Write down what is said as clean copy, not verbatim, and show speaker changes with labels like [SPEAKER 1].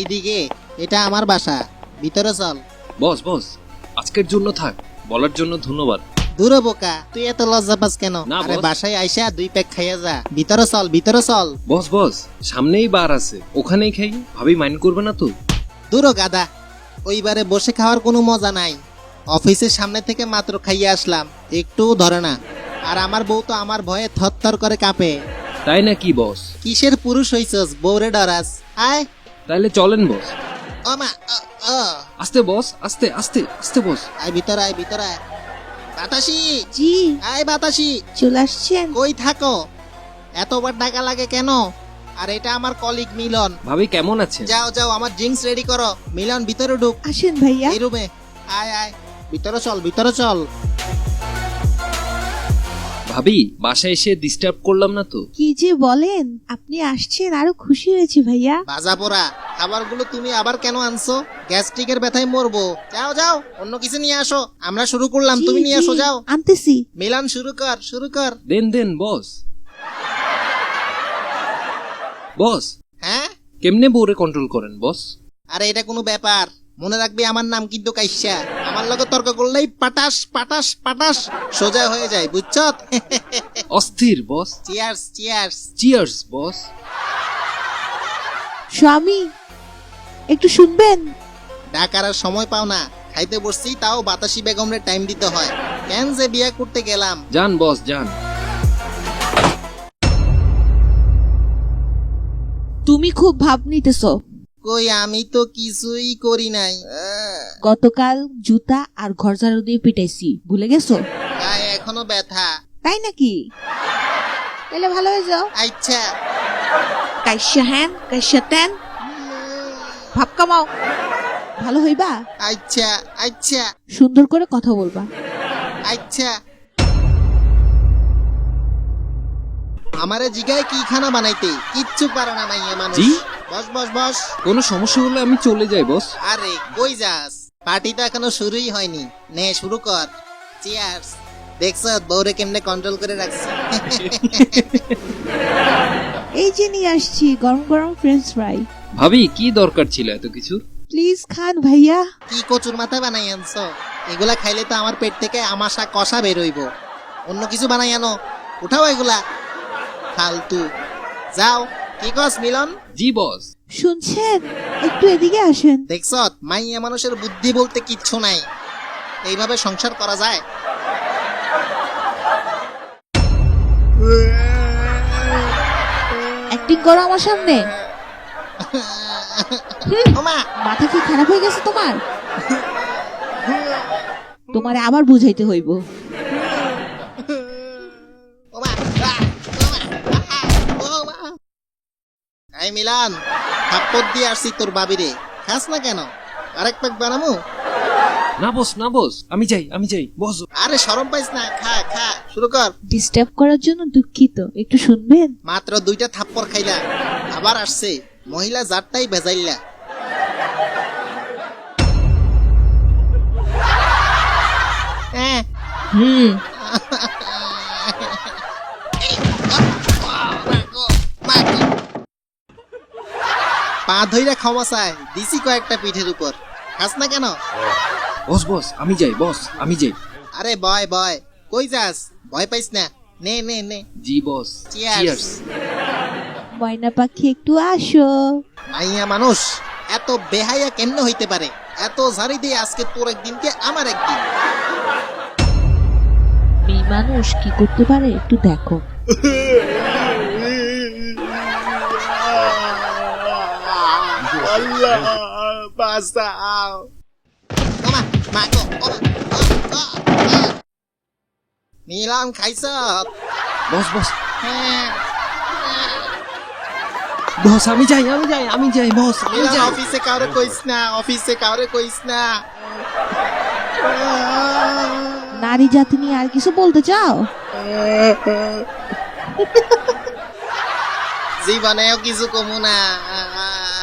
[SPEAKER 1] এইদিকে, এটা আমার বাসা, ভিতরে চল।
[SPEAKER 2] বস বস, আজকের জন্য থাক, বলার জন্য ধন্যবাদ।
[SPEAKER 1] দূর বোকা, তুই এত লজ্জা পাস কেন?
[SPEAKER 2] না,
[SPEAKER 1] আরে
[SPEAKER 2] বস।
[SPEAKER 1] বাসায় আইসা 2 প্যাক খাইয়া যা, ভিতরে চল, ভিতরে চল।
[SPEAKER 2] বস বস, সামনেই বার আছে, ওখানেই খাই, ভাবি মাইন্ড করবে না তো?
[SPEAKER 1] দূর গাদা, ওইবারে বসে খাওয়ার কোনো মজা নাই। অফিসের সামনে থেকে মাত্র খাইয়ে আসলাম, একটুও ধরে না। আর আমার বউ তো আমার ভয়ে থরথর করে কাঁপে।
[SPEAKER 2] তাই নাকি বস?
[SPEAKER 1] কিসের পুরুষ হইছস, বউরে ডরাস? আয়।
[SPEAKER 2] তাইলে চলেন বস।
[SPEAKER 1] ও মা,
[SPEAKER 2] আস্তে বস, আস্তে আস্তে আস্তে বস।
[SPEAKER 1] আয় ভিতরে, আয় ভিতরে আয়। বাতাসি,
[SPEAKER 3] জি
[SPEAKER 1] আয় বাতাসি।
[SPEAKER 3] চলে আসছেন?
[SPEAKER 1] কই থাকো? এতবার টাকা লাগে কেন? আর এটা আমার কলিগ মিলন।
[SPEAKER 2] ভাবি কেমন আছেন?
[SPEAKER 1] যাও যাও, আমার ড্রিঙ্কস রেডি করো। মিলন ভিতরে ঢুক।
[SPEAKER 3] আসেন ভাইয়া।
[SPEAKER 1] এই রুমে আয় আয়, ভিতরে চল, ভিতরে চল।
[SPEAKER 2] ভাবি বাসায় এসে ডিস্টার্ব করলাম না তো?
[SPEAKER 3] কি যে বলেন, আপনি আসছেন আরো খুশি হয়েছি ভাইয়া।
[SPEAKER 1] ভাজা পোড়া খাবারগুলো তুমি আবার কেন আনছো? গ্যাস্ট্রিকের ব্যথায় মরবো। যাও যাও, অন্য কিছু নিয়ে আসো। আমরা শুরু করলাম,
[SPEAKER 3] জি,
[SPEAKER 1] তুমি নিয়ে
[SPEAKER 3] জি,
[SPEAKER 1] আসো, যাও।
[SPEAKER 3] আনতেছি।
[SPEAKER 1] মিলন শুরু কর, শুরু কর।
[SPEAKER 2] দেন দেন বস। বস,
[SPEAKER 1] হ্যাঁ,
[SPEAKER 2] কেমনে বউরে কন্ট্রোল করেন বস?
[SPEAKER 1] আরে এটা কোনো ব্যাপার? মনে রাখবি আমার নাম কিন্তু কাইসা। আমার লগে তর্ক করলেই পাটাস পাটাস পাটাস সোজা হয়ে যায়, বুঝছত?
[SPEAKER 2] অস্থির boss.
[SPEAKER 1] Cheers cheers.
[SPEAKER 2] Cheers boss.
[SPEAKER 3] স্বামী একটু শুনবেন?
[SPEAKER 1] ডাকার আর সময় পাও না, খাইতে বসছি তাও বাতাসি বেগমরে টাইম দিতে হয়। কেন যে বিয়ে করতে গেলাম।
[SPEAKER 2] যান বস যান।
[SPEAKER 3] তুমি খুব ভাব নিতেছো।
[SPEAKER 1] কই, আমি তো কিছুই করি নাই।
[SPEAKER 3] গতকাল জুতা আর ঘর ঝাড়ু দিয়ে পিটাইছি, ভুলে গেছো?
[SPEAKER 1] গায়ে এখনো ব্যথা।
[SPEAKER 3] তাই নাকি? তাহলে ভালো হয়ে যাও।
[SPEAKER 1] আচ্ছা।
[SPEAKER 3] কাইসা হ্যান কাইসা তেন, ভাব কামাও, ভালো হইবা।
[SPEAKER 1] আচ্ছা আচ্ছা
[SPEAKER 3] সুন্দর করে কথা বলবা।
[SPEAKER 1] আচ্ছা। আমারে জিগায় কি খানা বানাইতে, কিচ্ছু পারে না মাইয়া মানুষ।
[SPEAKER 2] জি?
[SPEAKER 1] বস বস বস।
[SPEAKER 2] কোনো সমস্যা হলে আমি চলে যাই বস।
[SPEAKER 1] আরে কই যাস? পার্টি তো এখনো শুরুই হয়নি। নে শুরু কর। চিয়ার্স। দেখছ বউরে কেমনে কন্ট্রোল করে রাখছি।
[SPEAKER 3] এই যে নিয়ে আসছি গরম গরম ফ্রেঞ্চ ফ্রাই।
[SPEAKER 2] ভাবি কি দরকার ছিল এত কিছু?
[SPEAKER 3] প্লিজ খান ভাইয়া।
[SPEAKER 1] কি কচুর মাথা বানাই আনছো? এগুলা খাইলে তো আমার পেট থেকে আমাশা কষা বেরোইব। অন্য কিছু বানাই আনো, উঠাও এগুলা। ফালতু। যাও। কি কস মিলন?
[SPEAKER 2] জি বস।
[SPEAKER 3] শুনছেন, একটু এদিকে আসেন।
[SPEAKER 1] দেখছ মাইয়া মানুষের বুদ্ধি বলতে কিচ্ছু নাই। এইভাবে সংসার করা যায়?
[SPEAKER 3] অ্যাক্টিং করো আমার সামনে।
[SPEAKER 1] ওমা,
[SPEAKER 3] মাথা কি খারাপ হয়ে গেছে তোমার? তোমারে আবার বুঝাইতে হইব।
[SPEAKER 1] ওমা, ওমা। এই মিলান, থাপ্পড় দিয়ে আসছি তোর বাবিরে। খাস না কেন? আরেক প্যাক বানামু?
[SPEAKER 2] না বস না বস, আমি যাই বস।
[SPEAKER 1] আরে শরম পাইস না, খা খা, শুরু কর।
[SPEAKER 3] ডিস্টার্ব করার জন্য দুঃখিত, একটু শুনবেন?
[SPEAKER 1] মাত্র 2টা থাপ্পড় খাইলা, আবার আসছে মহিলা জাতটাই ভেজাইলা। হ্যাঁ।
[SPEAKER 3] হুম।
[SPEAKER 1] পা ধইরা ক্ষমা চায়, দিছি কয়েকটা পিঠের উপর। খাস না কেন?
[SPEAKER 2] বস বস, আমি যাই বস, আমি যাই।
[SPEAKER 1] আরে বয় বয়, কই যাস? ভয় পাইস না, নে নে নে।
[SPEAKER 2] জি বস।
[SPEAKER 1] Cheers.
[SPEAKER 2] চিয়ার্স।
[SPEAKER 3] ময়না পাখি একটু আসো।
[SPEAKER 1] মাইয়া মানুষ এত বেহাইয়া কেমনে হইতে পারে? এত ঝাড়ি দিয়ে আজকে তোর একদিনকে আমার একদিন।
[SPEAKER 3] মেয়ে মানুষ কি করতে পারে একটু দেখো।
[SPEAKER 1] আল্লাহ বাঁচাও। ওমা, মা গো, ওমা, মিলন খাইছ?
[SPEAKER 2] বস বস
[SPEAKER 1] হ্যাঁ।
[SPEAKER 2] বস, আমি যাই বস, আমি
[SPEAKER 1] মিলন
[SPEAKER 2] যাই।
[SPEAKER 1] অফিসে কাউরে কইস না, অফিসে কাউরে কইস না।
[SPEAKER 3] নারী জাতি নিয়ে আর কিছু বলতে চাও?
[SPEAKER 1] জীবনেও কিছু কমু না।